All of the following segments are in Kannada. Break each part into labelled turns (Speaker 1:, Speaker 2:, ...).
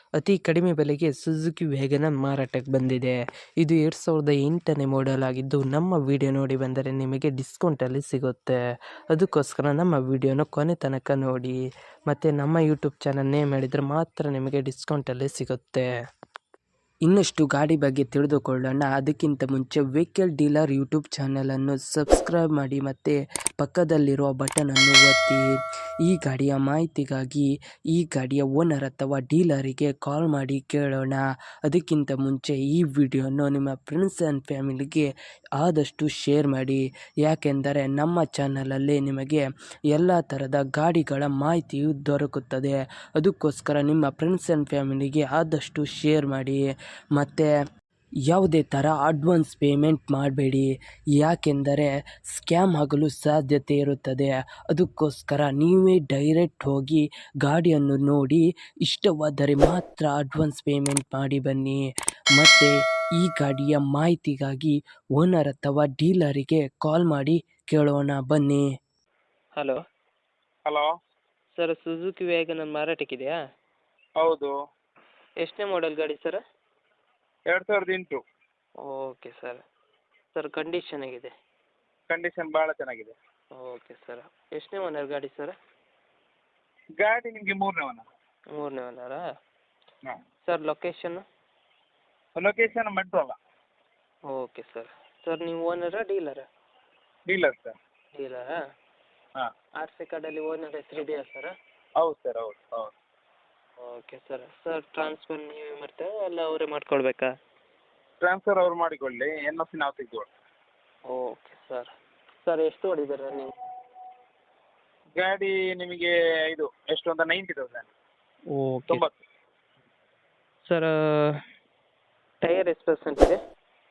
Speaker 1: ಅತಿ ಕಡಿಮೆ ಬೆಲೆಗೆ ಸುಜುಕಿ ವ್ಯಾಗನರ್ ಮಾರಾಟಕ್ಕೆ ಬಂದಿದೆ. ಇದು 2008ನೇ ಮಾಡೆಲ್ ಆಗಿದ್ದು, ನಮ್ಮ ವಿಡಿಯೋ ನೋಡಿ ಬಂದರೆ ನಿಮಗೆ ಡಿಸ್ಕೌಂಟಲ್ಲಿ ಸಿಗುತ್ತೆ. ಅದಕ್ಕೋಸ್ಕರ ನಮ್ಮ ವಿಡಿಯೋನ ಕೊನೆ ತನಕ ನೋಡಿ. ಮತ್ತು ನಮ್ಮ ಯೂಟ್ಯೂಬ್ ಚಾನಲ್ ನೇಮ್ ಮಾಡಿದರೆ ಮಾತ್ರ ನಿಮಗೆ ಡಿಸ್ಕೌಂಟಲ್ಲಿ ಸಿಗುತ್ತೆ. ಇನ್ನಷ್ಟು ಗಾಡಿ ಬಗ್ಗೆ ತಿಳಿದುಕೊಳ್ಳೋಣ. ಅದಕ್ಕಿಂತ ಮುಂಚೆ ವೆಹಿಕಲ್ ಡೀಲರ್ ಯೂಟ್ಯೂಬ್ ಚಾನಲನ್ನು ಸಬ್ಸ್ಕ್ರೈಬ್ ಮಾಡಿ ಮತ್ತು ಪಕ್ಕದಲ್ಲಿರುವ ಬಟನನ್ನು ಒತ್ತಿ. ಈ ಗಾಡಿಯ ಮಾಹಿತಿಗಾಗಿ ಈ ಗಾಡಿಯ ಓನರ್ ಅಥವಾ ಡೀಲರಿಗೆ ಕಾಲ್ ಮಾಡಿ ಕೇಳೋಣ. ಅದಕ್ಕಿಂತ ಮುಂಚೆ ಈ ವಿಡಿಯೋನ ನಿಮ್ಮ ಫ್ರೆಂಡ್ಸ್ ಆ್ಯಂಡ್ ಫ್ಯಾಮಿಲಿಗೆ ಆದಷ್ಟು ಶೇರ್ ಮಾಡಿ. ಯಾಕೆಂದರೆ ನಮ್ಮ ಚಾನಲಲ್ಲಿ ನಿಮಗೆ ಎಲ್ಲ ಥರದ ಗಾಡಿಗಳ ಮಾಹಿತಿಯು ದೊರಕುತ್ತದೆ. ಅದಕ್ಕೋಸ್ಕರ ನಿಮ್ಮ ಫ್ರೆಂಡ್ಸ್ ಆ್ಯಂಡ್ ಫ್ಯಾಮಿಲಿಗೆ ಆದಷ್ಟು ಶೇರ್ ಮಾಡಿ. ಮತ್ತು ಯಾವುದೇ ಥರ ಅಡ್ವಾನ್ಸ್ ಪೇಮೆಂಟ್ ಮಾಡಬೇಡಿ, ಯಾಕೆಂದರೆ ಸ್ಕ್ಯಾಮ್ ಆಗಲು ಸಾಧ್ಯತೆ ಇರುತ್ತದೆ. ಅದಕ್ಕೋಸ್ಕರ ನೀವೇ ಡೈರೆಕ್ಟ್ ಹೋಗಿ ಗಾಡಿಯನ್ನು ನೋಡಿ ಇಷ್ಟವಾದರೆ ಮಾತ್ರ ಅಡ್ವಾನ್ಸ್ ಪೇಮೆಂಟ್ ಮಾಡಿ ಬನ್ನಿ. ಮತ್ತು ಈ ಗಾಡಿಯ ಮಾಹಿತಿಗಾಗಿ ಓನರ್ ಅಥವಾ ಡೀಲರಿಗೆ ಕಾಲ್ ಮಾಡಿ ಕೇಳೋಣ ಬನ್ನಿ. Hello
Speaker 2: hello
Speaker 1: sir, Suzuki Wagon R ಮಾರಾಟಕ್ಕಿದೆಯಾ?
Speaker 2: ಹೌದು,
Speaker 1: ಎಷ್ಟನೇ ಮಾಡೆಲ್ ಗಾಡಿ sir?
Speaker 2: 2008.
Speaker 1: Okay sir. Sir condition ಆಗಿದೆ?
Speaker 2: ಕಂಡೀಷನ್ ಭಾಳ ಚೆನ್ನಾಗಿದೆ.
Speaker 1: Okay sir. ಎಷ್ಟನೇ ಓನರ್ ಗಾಡಿ ಸರ್?
Speaker 2: ಗಾಡಿ ನಿಮಗೆ 3ನೇ ಓನರ್.
Speaker 1: 3ನೇ ಓನರಾ?
Speaker 2: ಹಾಂ.
Speaker 1: Sir location?
Speaker 2: Location Bantwal.
Speaker 1: Okay sir. Sir ನೀವು ಓನರಾ ಡೀಲರಾ?
Speaker 2: Dealer sir.
Speaker 1: ಡೀಲರಾ?
Speaker 2: ಹಾಂ.
Speaker 1: ಆರ್ ಸಿ ಕಾರ್ಡಲ್ಲಿ ಓನರ್ ಹೆಸರು ಇದೆಯಾ ಸರ್?
Speaker 2: ಹೌದು ಸರ್, ಹೌದು ಹೌದು.
Speaker 1: Okay sir. ಸರ್ ಟ್ರಾನ್ಸ್ಫರ್ ನೀವೇ ಮಾಡ್ತೀರಾ ಅಲ್ಲ ಅವರೇ ಮಾಡ್ಕೊಳ್ಬೇಕಾ?
Speaker 2: ಟ್ರಾನ್ಸ್ಫರ್ ಅವ್ರು ಮಾಡಿಕೊಳ್ಳಿ, NOC ನಾವು ತೆಗೆದುಕೊಳ್ಳಿ.
Speaker 1: Okay sir. ಸರ್ ಎಷ್ಟು ಹೊಡಿದ್ದೀರಾ ನೀವು?
Speaker 2: ಗಾಡಿ ನಿಮಗೆ ಇದು ಎಷ್ಟು ಅಂತ 90,000.
Speaker 1: ಓಕೆ
Speaker 2: 90.
Speaker 1: ಸರ್, ಟೈರ್ ಎಷ್ಟು ಪರ್ಸೆಂಟ್ ಇದೆ?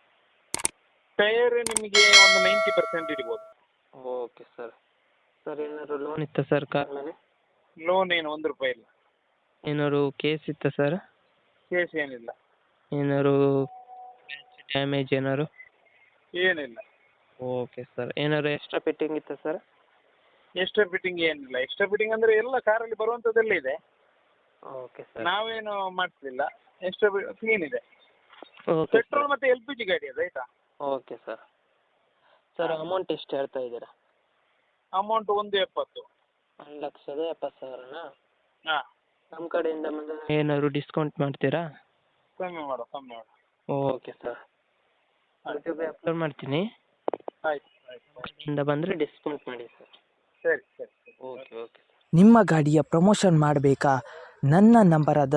Speaker 2: ಟೈರ್ ನಿಮಗೆ ಒಂದು 90% ಇಡ್ಬೋದು.
Speaker 1: Okay sir. ಸರ್ ಏನಾದ್ರು ಲೋನ್ ಇತ್ತಾ ಸರ್ ಕಾರ್ ಮೇಲೆ?
Speaker 2: ಲೋನ್ ಏನು ₹1 ಇಲ್ಲ.
Speaker 1: ಏನಾದ್ರು ಕೇಸ್ ಇತ್ತಾ ಸರ್?
Speaker 2: ಕೇಸ್ ಏನಿಲ್ಲ.
Speaker 1: ಏನಾದ್ರು ಡ್ಯಾಮೇಜ್ ಏನಾದ್ರು?
Speaker 2: ಏನಿಲ್ಲ.
Speaker 1: Okay sir. ಏನಾದ್ರು ಎಕ್ಸ್ಟ್ರಾ ಫಿಟ್ಟಿಂಗ್ ಇತ್ತಾ ಸರ್?
Speaker 2: ಎಕ್ಸ್ಟ್ರಾ ಫಿಟ್ಟಿಂಗ್ ಏನಿಲ್ಲ. ಎಕ್ಸ್ಟ್ರಾ ಫಿಟ್ಟಿಂಗ್ ಅಂದರೆ ಎಲ್ಲ ಕಾರಲ್ಲಿ ಬರುವಂಥದ್ದೆಲ್ಲ ಇದೆ.
Speaker 1: Okay sir.
Speaker 2: ನಾವೇನು ಮಾಡಿಸಲಿಲ್ಲ. ಎಕ್ಸ್ಟ್ರಾ ಕ್ಲೀನ್ ಇದೆ.
Speaker 1: ಓಕೆ
Speaker 2: ಪೆಟ್ರೋಲ್ ಮತ್ತು LPG ಗಾಡಿ ಅದು, ಆಯಿತಾ?
Speaker 1: Okay sir. ಸರ್ ಅಮೌಂಟ್ ಎಷ್ಟು ಹೇಳ್ತಾ ಇದ್ದೀರಾ?
Speaker 2: ಅಮೌಂಟ್ 1,70,000.
Speaker 1: 1,70,000ನಾ?
Speaker 2: ಹಾಂ.
Speaker 1: ನಮ್ಮ ಕಡೆಯಿಂದ ಬಂದರೆ ಏನಾದ್ರು ಡಿಸ್ಕೌಂಟ್ ಮಾಡ್ತೀರಾ?
Speaker 2: ಕಮ್ಮಿ ಮಾಡು, ಕಮ್ಮಿ ಮಾಡು.
Speaker 1: Okay sir. ಯೂಟ್ಯೂಬ್ ಅಪ್ಲೋಡ್ ಮಾಡ್ತೀನಿ.
Speaker 2: ಆಯ್ತು ಆಯ್ತು.
Speaker 1: ಕಡೆಯಿಂದ ಬಂದರೆ ಡಿಸ್ಕೌಂಟ್ ಮಾಡಿ ಸರ್.
Speaker 2: ಸರಿ ಸರಿ ಸರಿ.
Speaker 1: Okay okay.
Speaker 3: ನಿಮ್ಮ ಗಾಡಿಯ ಪ್ರಮೋಷನ್ ಮಾಡಬೇಕಾ? ನನ್ನ ನಂಬರಾದ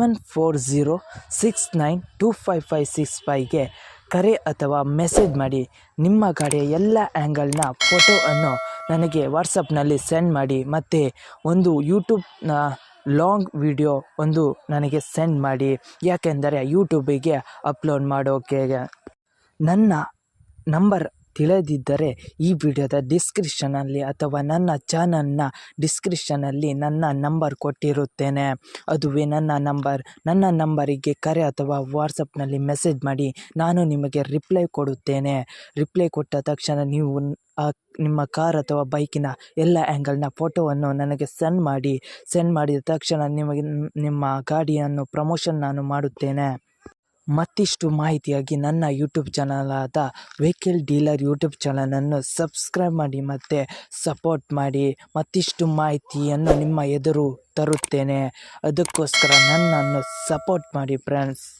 Speaker 3: 7406925565ಗೆ ಕರೆ ಅಥವಾ ಮೆಸೇಜ್ ಮಾಡಿ. ನಿಮ್ಮ ಗಾಡಿಯ ಎಲ್ಲ ಆ್ಯಂಗಲ್ನ ಫೋಟೋವನ್ನು ನನಗೆ ವಾಟ್ಸಪ್ನಲ್ಲಿ ಸೆಂಡ್ ಮಾಡಿ. ಮತ್ತು ಒಂದು ಯೂಟ್ಯೂಬ್ನ ಲಾಂಗ್ ವಿಡಿಯೋ ಒಂದು ನನಗೆ ಸೆಂಡ್ ಮಾಡಿ, ಯಾಕೆಂದರೆ ಯೂಟ್ಯೂಬಿಗೆ ಅಪ್ಲೋಡ್ ಮಾಡೋಕೆ. ನನ್ನ ನಂಬರ್ ತಿಳಿದಿದ್ದರೆ ಈ ವಿಡಿಯೋದ ಡಿಸ್ಕ್ರಿಪ್ಷನಲ್ಲಿ ಅಥವಾ ನನ್ನ ಚಾನಲ್ನ ಡಿಸ್ಕ್ರಿಪ್ಷನಲ್ಲಿ ನನ್ನ ನಂಬರ್ ಕೊಟ್ಟಿರುತ್ತೇನೆ. ಅದುವೇ ನನ್ನ ನಂಬರ್. ನನ್ನ ನಂಬರಿಗೆ ಕರೆ ಅಥವಾ ವಾಟ್ಸಪ್ನಲ್ಲಿ ಮೆಸೇಜ್ ಮಾಡಿ, ನಾನು ನಿಮಗೆ ರಿಪ್ಲೈ ಕೊಡುತ್ತೇನೆ. ರಿಪ್ಲೈ ಕೊಟ್ಟ ತಕ್ಷಣ ನೀವು ನಿಮ್ಮ ಕಾರ್ ಅಥವಾ ಬೈಕಿನ ಎಲ್ಲ ಆ್ಯಂಗಲ್ನ ಫೋಟೋವನ್ನು ನನಗೆ ಸೆಂಡ್ ಮಾಡಿ. ಸೆಂಡ್ ಮಾಡಿದ ತಕ್ಷಣ ನಿಮಗೆ ನಿಮ್ಮ ಗಾಡಿಯನ್ನು ಪ್ರಮೋಷನ್ ನಾನು ಮಾಡುತ್ತೇನೆ. ಮತ್ತಿಷ್ಟು ಮಾಹಿತಿಯಾಗಿ ನನ್ನ ಯೂಟ್ಯೂಬ್ ಚಾನಲಾದ ವೆಹಿಕಲ್ ಡೀಲರ್ ಯೂಟ್ಯೂಬ್ ಚಾನಲನ್ನು ಸಬ್ಸ್ಕ್ರೈಬ್ ಮಾಡಿ ಮತ್ತು ಸಪೋರ್ಟ್ ಮಾಡಿ. ಮತ್ತಿಷ್ಟು ಮಾಹಿತಿಯನ್ನು ನಿಮ್ಮ ಎದುರು ತರುತ್ತೇನೆ. ಅದಕ್ಕೋಸ್ಕರ ನನ್ನನ್ನು ಸಪೋರ್ಟ್ ಮಾಡಿ ಫ್ರೆಂಡ್ಸ್.